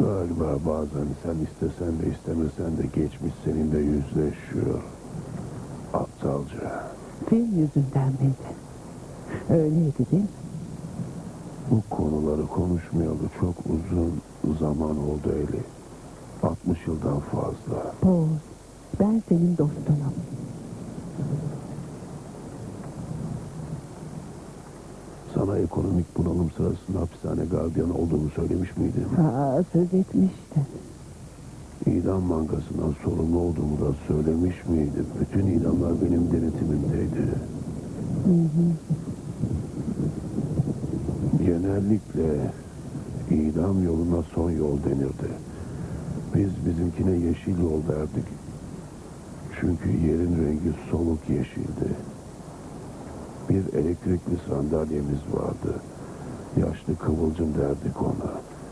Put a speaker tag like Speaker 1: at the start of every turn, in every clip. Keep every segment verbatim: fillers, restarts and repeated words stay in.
Speaker 1: Galiba bazen sen istesen de istemesen de geçmiş seninle yüzleşiyor. Aptalca.
Speaker 2: Film yüzünden miydi? Öyleydi değil mi?
Speaker 1: Bu konuları konuşmayalı çok uzun zaman oldu Eli. altmış yıldan fazla.
Speaker 2: Paul, ben senin dostunum.
Speaker 1: Sana ekonomik bunalım sırasında hapishane gardiyanı olduğumu söylemiş miydim?
Speaker 2: Aa, söz etmiştin.
Speaker 1: İdam bankasından sorumlu olduğumu da söylemiş miydim? Bütün idamlar benim denetimimdeydi.
Speaker 2: Hı hı.
Speaker 1: Genellikle idam yoluna son yol denirdi. Biz bizimkine yeşil yol derdik. Çünkü yerin rengi soluk yeşildi. Bir elektrikli sandalyemiz vardı. Yaşlı kıvılcım derdik ona.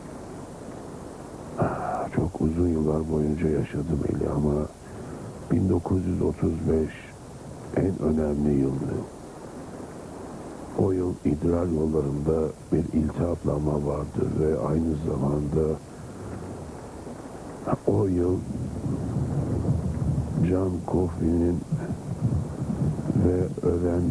Speaker 1: Ah, çok uzun yıllar boyunca yaşadım Eli ama bin dokuz yüz otuz beş en önemli yıldı. O yıl idrar yollarında bir iltihaplanma vardı ve aynı zamanda o yıl John Coffey'nin ve ölen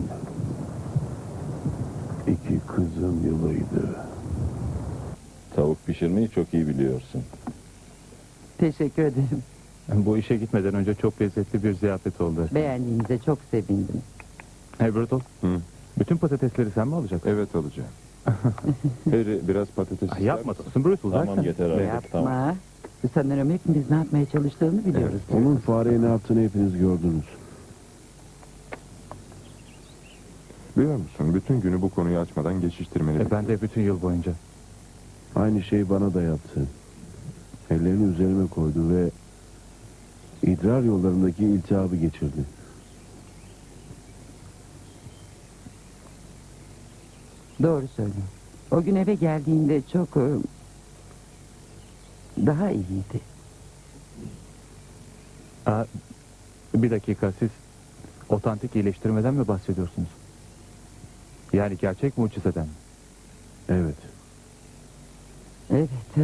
Speaker 1: iki kızın yılıydı.
Speaker 3: Tavuk pişirmeyi çok iyi biliyorsun.
Speaker 2: Teşekkür ederim.
Speaker 4: Bu işe gitmeden önce çok lezzetli bir ziyafet oldu.
Speaker 2: Beğendiğinize çok sevindim.
Speaker 4: Hey Brutal,
Speaker 3: Hı.
Speaker 4: bütün patatesleri sen mi alacaksın?
Speaker 3: Evet alacağım. Harry biraz patates
Speaker 4: Ay,
Speaker 3: ister
Speaker 4: yapma
Speaker 3: misin?
Speaker 4: dostum Brutal.
Speaker 3: Tamam
Speaker 4: zaten.
Speaker 3: yeter artık.
Speaker 2: Yapma.
Speaker 3: Tamam.
Speaker 2: Sanırım hepimiz ne yapmaya çalıştığını biliyoruz.
Speaker 1: Onun fareye ne yaptığını hepiniz gördünüz.
Speaker 5: Biliyor musun, bütün günü bu konuyu açmadan geçiştirmeni
Speaker 4: E, ben de bütün yıl boyunca.
Speaker 1: Aynı şeyi bana da yaptı. Ellerini üzerime koydu ve idrar yollarındaki iltihabı geçirdi.
Speaker 2: Doğru söylüyor. O gün eve geldiğinde çok... e, daha iyiydi.
Speaker 4: Aa, bir dakika, siz otantik iyileştirmeden mi bahsediyorsunuz? Yani gerçek mucizeden mi?
Speaker 1: Evet.
Speaker 2: Evet.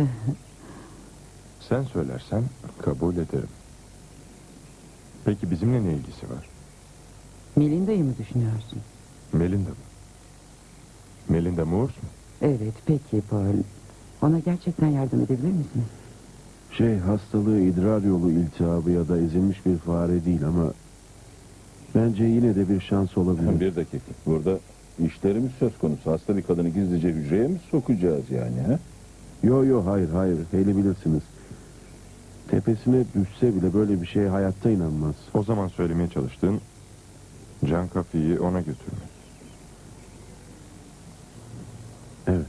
Speaker 5: Sen söylersen kabul ederim. Peki bizimle ne ilgisi var?
Speaker 2: Melinda'yı mı düşünüyorsun?
Speaker 5: Melinda mı? Melinda Moores mu?
Speaker 2: Evet, peki Paul. Ona gerçekten yardım edebilir misiniz?
Speaker 1: Şey, hastalığı idrar yolu iltihabı ya da ezilmiş bir fare değil ama bence yine de bir şans olabilir.
Speaker 3: Bir dakika. Burada işlerimiz söz konusu. Hasta bir kadını gizlice hücreye mi sokacağız yani? He?
Speaker 1: Yo yo hayır hayır, hele bilirsiniz. Tepesine düşse bile böyle bir şeye hayatta inanmaz.
Speaker 5: O zaman söylemeye çalıştığın Can Coffey'i ona götürmek.
Speaker 1: Evet.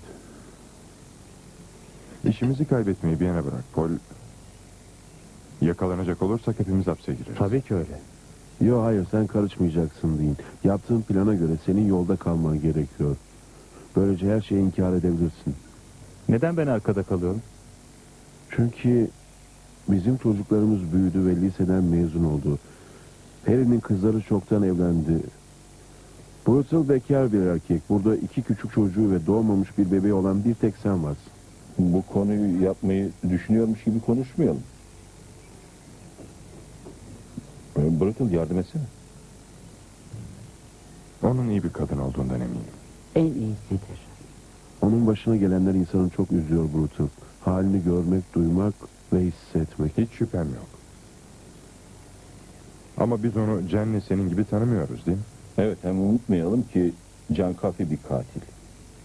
Speaker 5: İşimizi kaybetmeyi bir yana bırak Paul. Yakalanacak olursak hepimiz hapse gireriz.
Speaker 4: Tabii ki öyle.
Speaker 1: Yo hayır, sen karışmayacaksın deyin. Yaptığın plana göre senin yolda kalman gerekiyor. Böylece her şeyi inkar edebilirsin.
Speaker 4: Neden ben arkada kalıyorum?
Speaker 1: Çünkü bizim çocuklarımız büyüdü ve liseden mezun oldu. Harry'nin kızları çoktan evlendi. Brutal bekar bir erkek. Burada iki küçük çocuğu ve doğmamış bir bebeği olan bir tek sen varsın.
Speaker 3: Bu konuyu yapmayı düşünüyormuş gibi konuşmayalım. Ee, Brutal yardım etsene.
Speaker 5: Onun iyi bir kadın olduğundan eminim.
Speaker 2: En iyisidir.
Speaker 1: Onun başına gelenler insanı çok üzüyor Brutal. Halini görmek, duymak ve hissetmek.
Speaker 5: Hiç şüphem yok. Ama biz onu Cen'le senin gibi tanımıyoruz değil mi?
Speaker 3: Evet, hem unutmayalım ki Can Coffey bir katil.